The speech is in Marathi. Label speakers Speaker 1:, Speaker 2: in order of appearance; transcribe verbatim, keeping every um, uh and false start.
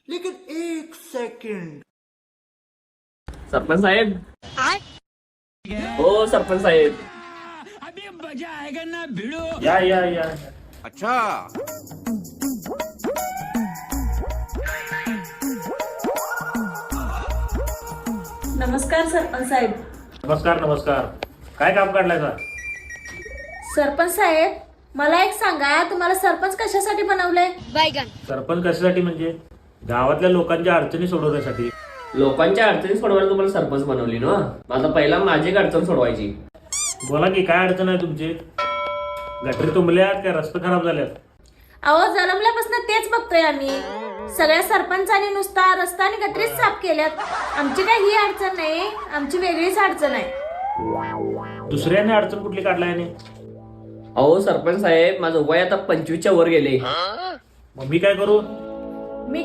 Speaker 1: लेकिन एक सेकंड.
Speaker 2: सरपंच साहेब. हो सरपंच साहेब.
Speaker 3: या या या.
Speaker 1: अच्छा.
Speaker 4: नमस्कार सरपंच साहेब.
Speaker 3: नमस्कार नमस्कार. काय काम काढलाय का?
Speaker 4: सरपंच साहेब मला एक सांगा, तुम्हाला सरपंच कशासाठी बनवलंय?
Speaker 3: सरपंच कशासाठी म्हणजे गावातल्या लोकांच्या अडचणी सोडवण्यासाठी.
Speaker 2: लोकांच्या अडचणी सोडवायला तुम्हाला सरपंच बनवली ना. माझा पहिला माझी एक अडचण सोडवायची.
Speaker 3: बोला की काय अडचण आहे तुमची? गटरी तुंबल्यात काय रस्ते खराब झाल्यात?
Speaker 4: अहो जन्मल्यापासून तेच बघतोय आम्ही. सगळ्या सरपंचांनी नुसता रस्ता आणि गटरीच साफ केल्यात. आमची काय ही अडचण नाही, आमची वेगळीच अडचण आहे.
Speaker 3: दुसऱ्याने अडचण कुठली काढलाय याने?
Speaker 2: अहो सरपंच साहेब माझं वय आता पंचवीसच्या वर गेले.
Speaker 3: मग मी काय करू?